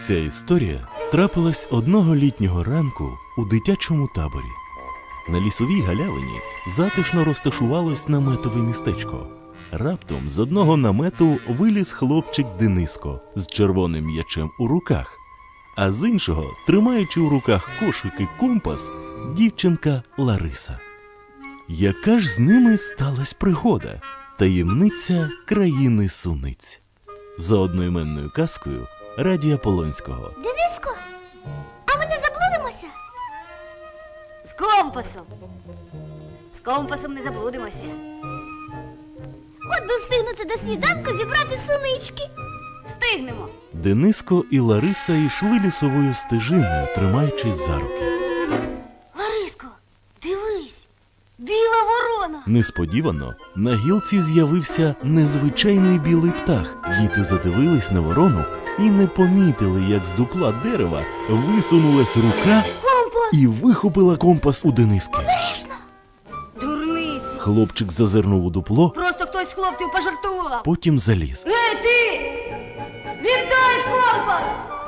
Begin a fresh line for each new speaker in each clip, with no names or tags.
Ця історія трапилась одного літнього ранку у дитячому таборі. На лісовій галявині затишно розташувалось наметове містечко. Раптом з одного намету виліз хлопчик Дениско з червоним м'ячем у руках, а з іншого, тримаючи у руках кошик і компас, дівчинка Лариса. Яка ж з ними сталась пригода? Таємниця країни суниць. За одноіменною казкою Радія Полонського.
Дениско, а ми не заблудимося?
З компасом. З компасом не заблудимося.
От би встигнути до сніданку зібрати сунички.
Встигнемо.
Дениско і Лариса йшли лісовою стежиною, тримаючись за руки.
Лариско, дивись, біла ворона.
Несподівано на гілці з'явився незвичайний білий птах. Діти задивились на ворону і не помітили, як з дупла дерева висунулась рука і вихопила компас у Дениски.
Обережно!
Дурниці.
Хлопчик зазирнув у дупло,
Просто хтось з хлопців пожартував.
потім заліз.
Ей, ти! Віддай компас!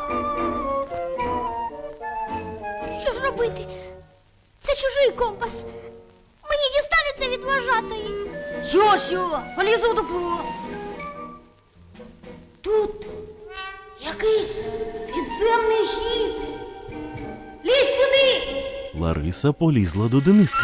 Що ж робити? Це чужий компас. Мені дістанеться від вожатої.
Що? Полізу в дупло. Тут якийсь підземний хід. Лізь сюди!
Лариса полізла до Дениска.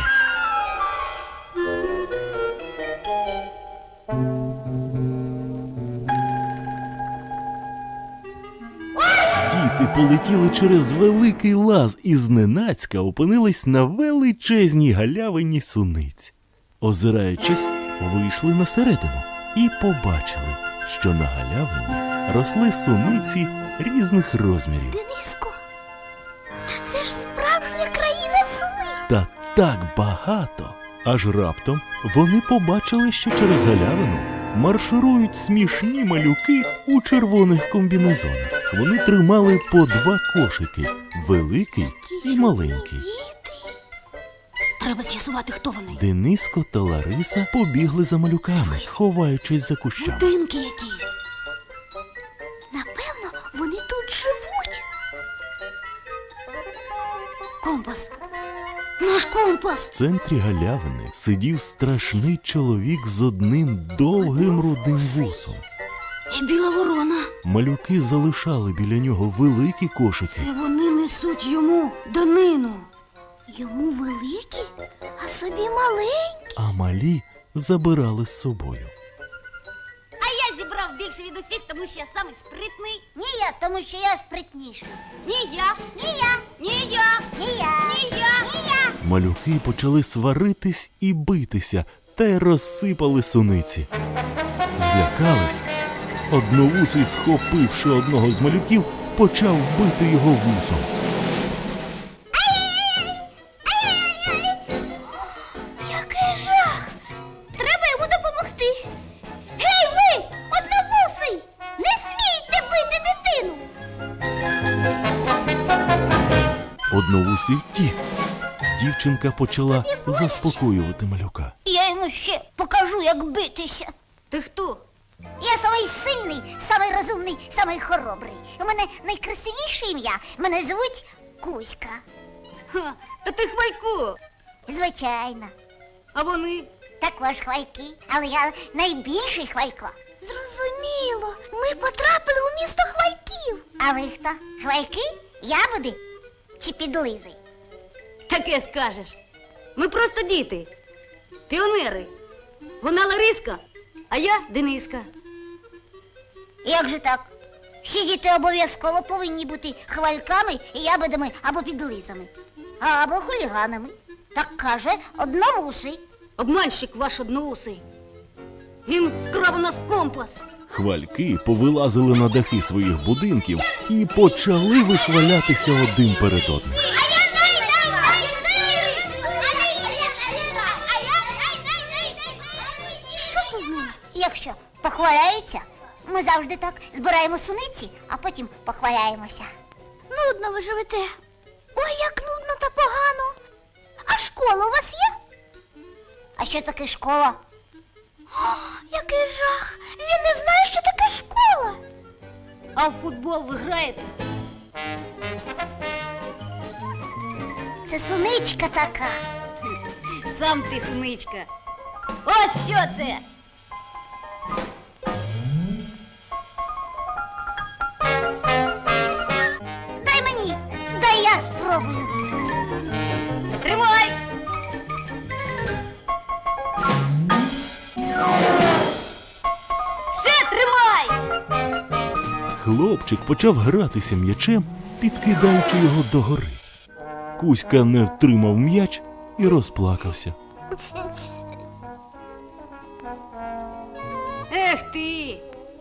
Діти полетіли через великий лаз і зненацька опинились на величезній галявині суниць. Озираючись, вийшли на середину і побачили, що на галявині росли суниці різних розмірів.
Дениско, та це ж справжня країна суниць.
Та так багато! Аж раптом вони побачили, що через галявину марширують смішні малюки у червоних комбінезонах. Вони тримали по 2 кошики – великий і маленький.
Треба з'ясувати, хто вони.
Дениско та Лариса побігли за малюками, ховаючись за кущами.
Будинки якісь.
Напевно, вони тут живуть.
Компас. Наш компас.
В центрі галявини сидів страшний чоловік з одним довгим рудим вусом.
І біла ворона.
Малюки залишали біля нього великі кошики.
Це вони несуть йому данину.
Йому великі, а собі маленькі.
А малі забирали з собою.
А я зібрав більше від усіх, тому що я самий спритний.
Ні я, тому що я спритніша.
Ні я.
Ні я,
Ні я.
ні я,
Ні я.
ні я.
Малюки почали сваритись і битися, та й розсипали суниці. Злякались. Одновусий, схопивши одного з малюків, почав бити його вусом.
Який жах! Треба йому допомогти. Гей, ви, одновусий! Не смійте бити дитину!
Одновусий втік. Дівчинка почала заспокоювати малюка.
Я йому ще покажу, як битися.
Ти хто?
Я самий сильний, самий розумний, самий хоробрий. У мене найкрасивіше ім'я. Мене звуть Кузька.
Ха, та ти Хвалько.
Звичайно.
А вони?
Також хвальки, але я найбільший хвалько. Зрозуміло. Ми потрапили у місто хвальків. А ви хто? Хвальки? Ябуди? Чи підлизи?
Таке скажеш. Ми просто діти. Піонери. Вона Лариска, а я Дениска.
Як же так? Всі діти обов'язково повинні бути хвальками, ябедами або підлизами. Або хуліганами. Так каже одновусий.
Обманщик ваш одноусий. Він вкрав у нас компас.
Хвальки повилазили на дахи своїх будинків і почали вихвалятися один перед одним.
Що це з ними? Якщо похваляються, ми завжди так збираємо суниці, а потім похваляємося. Нудно ви живете. Ой, як нудно та погано. А школа у вас є? А що таке школа? О, який жах! Він не знає, що таке школа.
А в футбол ви граєте?
Це суничка така.
Сам ти синичка. Ось що це.
Дай мені, дай я спробую.
Тримай. Ще тримай.
Хлопчик почав гратися м'ячем, підкидаючи його догори. Кузька не втримав м'яч і розплакався.
Ех ти!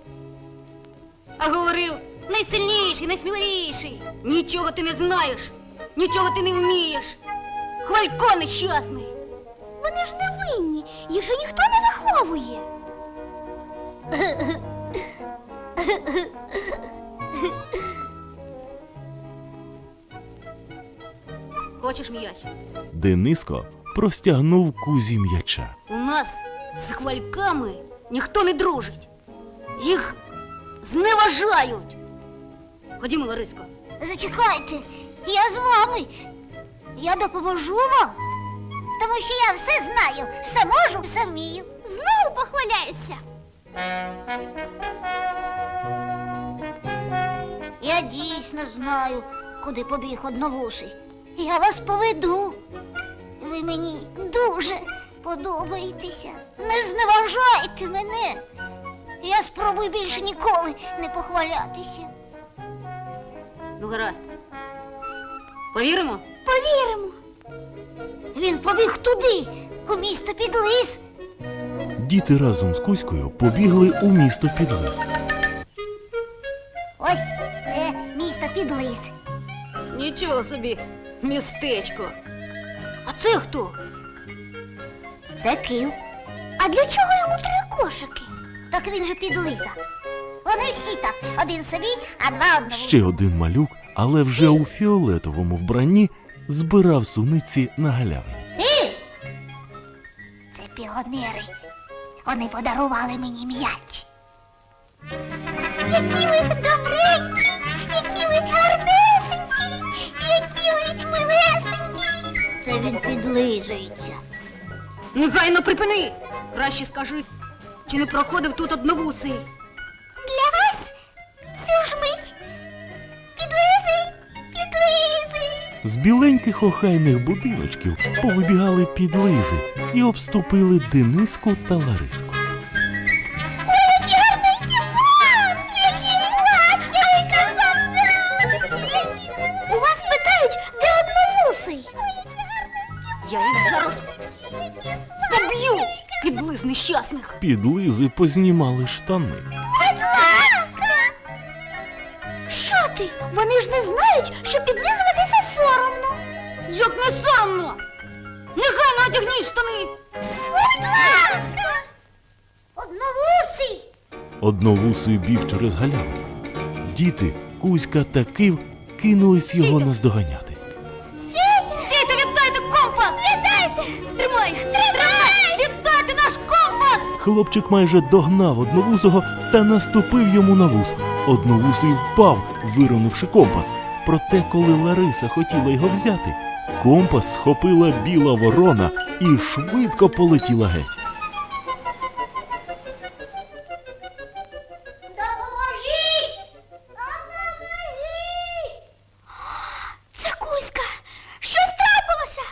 А говорив, найсильніший, найсміливіший. Нічого ти не знаєш, нічого ти не вмієш. Хвалько нещасний.
Вони ж не винні, їх же ніхто не виховує.
Хочеш м'яч?
Дениско простягнув Кузі м'яча.
У нас з хвальками ніхто не дружить. Їх зневажають. Ходімо, Лариско.
Зачекайте, я з вами. Я допоможу вам. Тому що я все знаю, все можу, все вмію. Знову похваляюся. Я дійсно знаю, куди побіг одновусий. Я вас поведу. Ви мені дуже подобаєтеся. Не зневажайте мене. Я спробую більше ніколи не похвалятися.
Ну, гаразд. Повіримо?
Повіримо. Він побіг туди, у місто Підлис.
Діти разом з Кузькою побігли у місто Підлис.
Ось це місто Підлис.
Нічого собі, містечко. А це хто?
Це Кив. А для чого йому 3 кошики? Так він же Підлиза. Вони всі так, один собі, а 2 одному.
Ще один малюк, але вже у фіолетовому вбранні, збирав суниці на галявині.
Це піонери. Вони подарували мені м'яч. Які ви добренькі, які ви гарнесенькі, які ви милесенькі. Це він підлизується.
Негайно припини! Краще скажи, чи не проходив тут одновусий?
Для вас цю ж мить підлизи, підлизи.
З біленьких охайних будиночків повибігали підлизи і обступили Дениску та Лариску.
Ой, які гарненькі вам, які гладкі, ой, казанали. У вас питають, де одновусий?
Я їх зараз поб'ю, підлиз нещасних.
Підлизи познімали штани.
Будь ласка! Що ти? Вони ж не знають, що підлизуватися соромно.
Як не соромно! Негайно одягніть штани!
Будь ласка! Одновусий!
Одновусий біг через галявину. Діти, Кузька та Кив кинулись його наздоганяти.
Діти, віддайте компас! Віддайте! Тримай! Тримай! Віддайте наш компас!
Хлопчик майже догнав одновусого та наступив йому на вус. Одновусий впав, виронувши компас. Проте, коли Лариса хотіла його взяти, компас схопила біла ворона і швидко полетіла геть.
Допоможіть! Допоможіть! Це Кузька! Щось трапилося?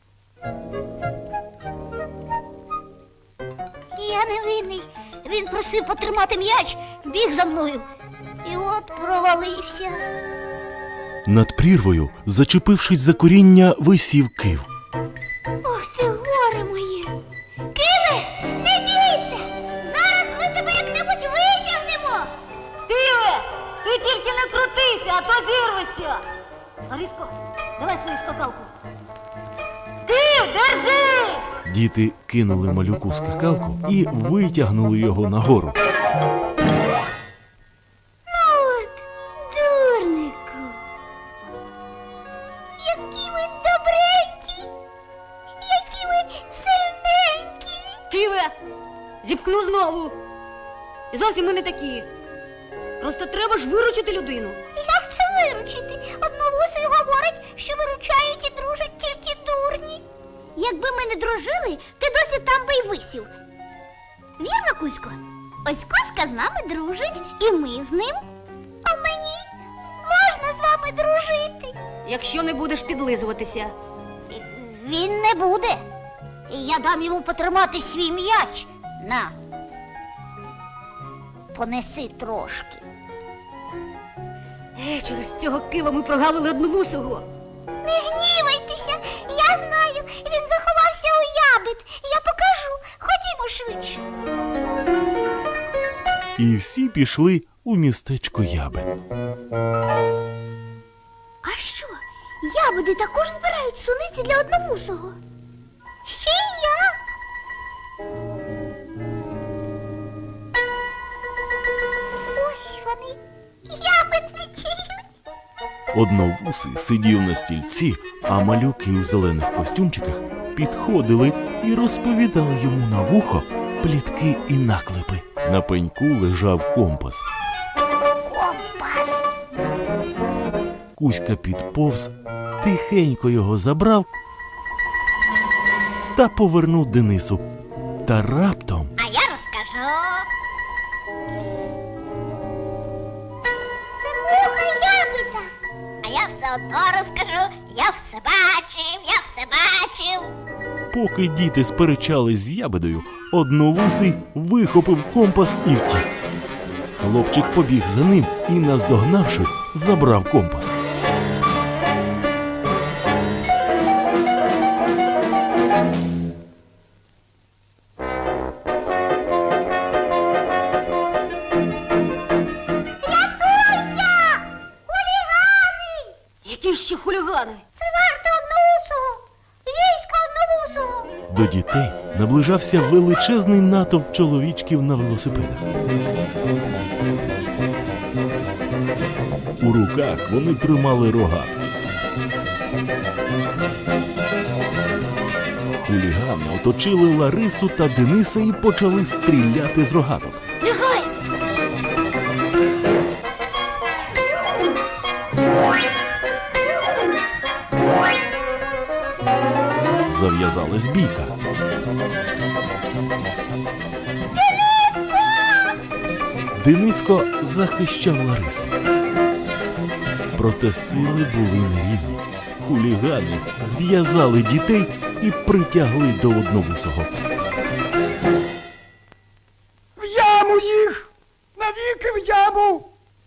Я не винний. Він просив потримати м'яч, біг за мною. І от провалився.
Над прірвою, зачепившись за коріння, висів Кив.
Ох ти, горе моє! Киве, не бійся! Зараз ми тебе як-небудь витягнемо!
Киве, ти тільки не крутися, а то зірвешся! Лариско, давай свою скакалку. Кив, держи!
Діти кинули малюку скакалку і витягнули його нагору.
От, дурнику! Які ви добренькі! Які ви сильненькі!
Киве, зіпхну знову. І зовсім ми не такі. Просто треба ж виручити людину.
Як це виручити. Одновусий говорить, що виручають і дружать тільки дурні. Якби ми не дружили, ти досі там би й висів. Вірно, Кузько? Ось Коська з нами дружить, і ми з ним. А мені можна з вами дружити.
Якщо не будеш підлизуватися.
Він не буде. Я дам йому потримати свій м'яч. На. Понеси трошки.
Через цього кива ми прогавили Одновусого.
Не гнівайтеся, я знаю, він заховався у ябед. Я покажу. Ходімо швидше.
І всі пішли у містечко Яби.
А що? Ябеди також збирають суниці для Одновусого? Ще й як? Ось вони, ябедничають.
Одновусий сидів на стільці, а малюки у зелених костюмчиках підходили і розповідали йому на вухо плітки і наклепи. На пеньку лежав компас.
Компас.
Кузька підповз, тихенько його забрав та повернув Денису. Та раптом
А я розкажу. Це муха ябеда. А я все одно розкажу. Я все бачив, я все бачив.
поки діти сперечались з ябедою, Одновусий вихопив компас і втік. Хлопчик побіг за ним і, наздогнавши, забрав компас.
Рятуйся! Хулігани!
Які ще хулігани?
Це варта Одноусого! Військо Одновусого!
До дітей наближався величезний натовп чоловічків на велосипедах. У руках вони тримали рогатки. Хулігани оточили Ларису та Дениса і почали стріляти з рогаток.
Лягай!
Зав'язалась бійка. Дениско захищав Ларису. Проте сили були нерівні. Хулігани зв'язали дітей і притягли до Одновусого.
В яму їх! Навіки в яму!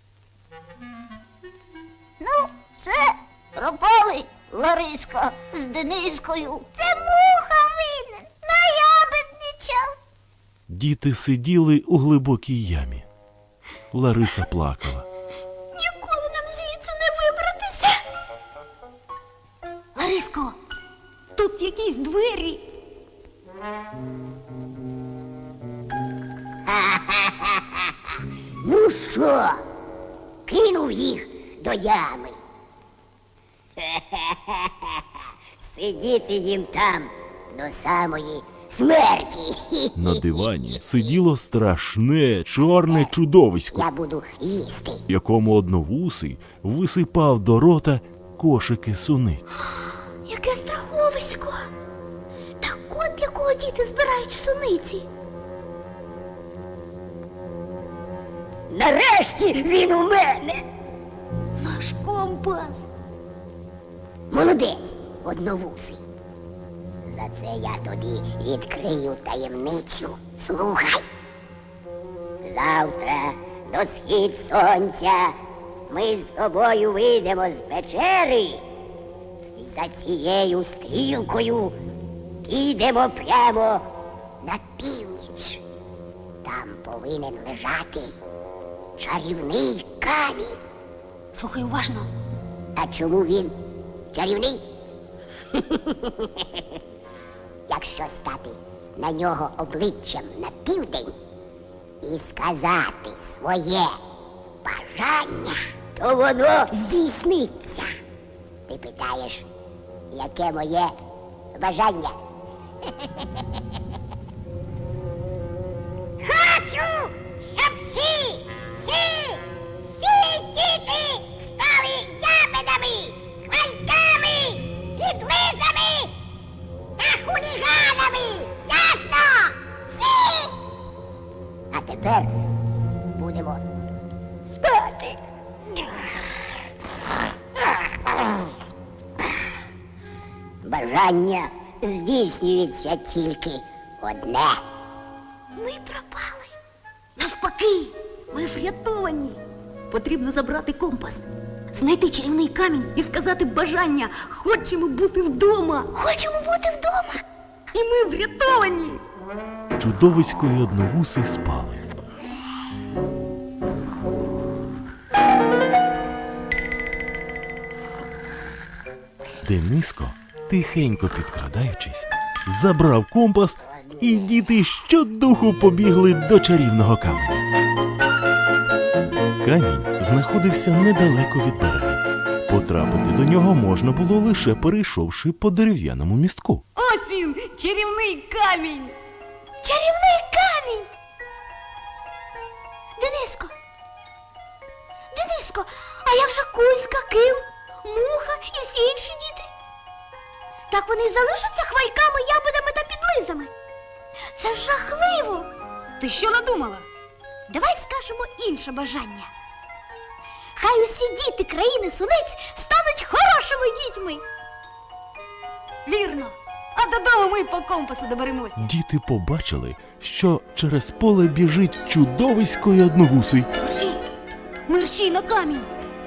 Ну, все, пропали Лариска з Денискою. Це муха винен, наябедничав.
Діти сиділи у глибокій ямі. Лариса плакала.
Ніколи нам звідси не вибратися.
Лариско, тут якісь двері.
Ну що, кинув їх до ями. Сидіти їм там до самої смерті.
На дивані сиділо страшне чорне чудовисько,
Я буду їсти.
якому Одновусий висипав до рота кошики суниць.
Яке страховисько. Так от для кого діти збирають суниці.
Нарешті він у мене.
Наш компас.
Молодець, Одновусий. За це я тобі відкрию таємницю. Слухай. Завтра до схід сонця ми з тобою вийдемо з печери і за цією стрілкою підемо прямо на північ. Там повинен лежати чарівний камінь.
Слухай уважно.
А чому він чарівний? Якщо стати на нього обличчям на південь і сказати своє бажання, то воно здійсниться. Ти питаєш, яке моє бажання? Хочу, щоб всі діти стали бажання здійснюється тільки одне.
Ми пропали.
Навпаки, ми врятовані. Потрібно забрати компас, знайти чарівний камінь і сказати бажання. Хочемо бути вдома.
Хочемо бути вдома.
І ми врятовані.
Чудовисько й одновуси спали. Дениско, тихенько підкрадаючись, забрав компас, і діти щодуху побігли до чарівного каменя. Камінь знаходився недалеко від берега. Потрапити до нього можна було лише перейшовши по дерев'яному містку.
Ось він, чарівний камінь.
Чарівний камінь. Дениско. Дениско, а як же Кузька, Кив, Муха і всі інші діти? Так вони й залишаться хвальками, ябедами та підлизами. Це ж жахливо.
Ти що надумала?
Давай скажемо інше бажання. Хай усі діти країни Сунець стануть хорошими дітьми.
Вірно. А додому ми по компасу доберемося.
Діти побачили, що через поле біжить чудовисько й одновусий.
Мерщій! Мерщій на камінь!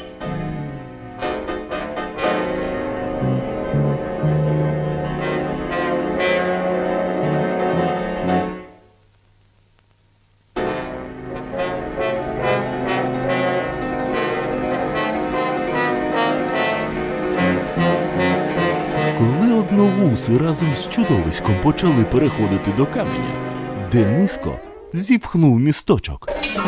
Коли одновуси разом з чудовиськом почали переходити до каменя, Дениско зіпхнув місточок.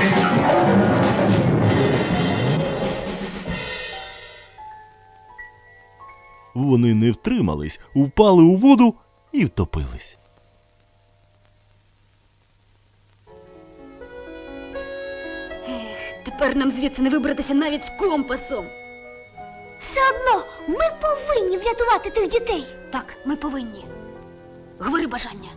Вони не втримались, впали у воду і втопились.
Тепер нам звідси не вибратися навіть з компасом.
Все одно ми повинні врятувати тих дітей.
Так, ми повинні. Говори бажання.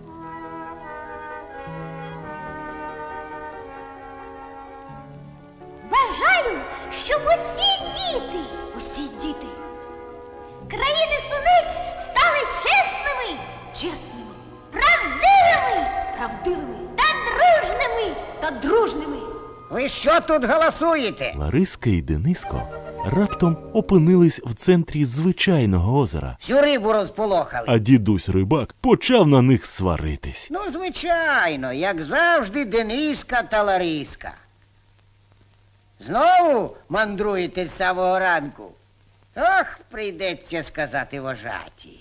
Бажаю, щоб усі діти
Усі діти
країни Сунець стали чесними,
чесними,
правдивими
правдивими
та дружними.
та дружними.
Ви що тут голосуєте?
Лариска і Дениско раптом опинились в центрі звичайного озера,
Всю рибу розполохали.
а дідусь рибак почав на них сваритись.
Ну, звичайно, як завжди, Дениска та Лариска. Знову мандруєте з самого ранку? Ох, прийдеться сказати вожаті.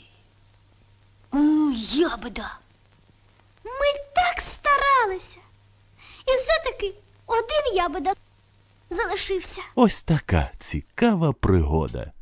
Ябеда.
Ми так старалися. І все-таки один ябеда залишився.
Ось така цікава пригода.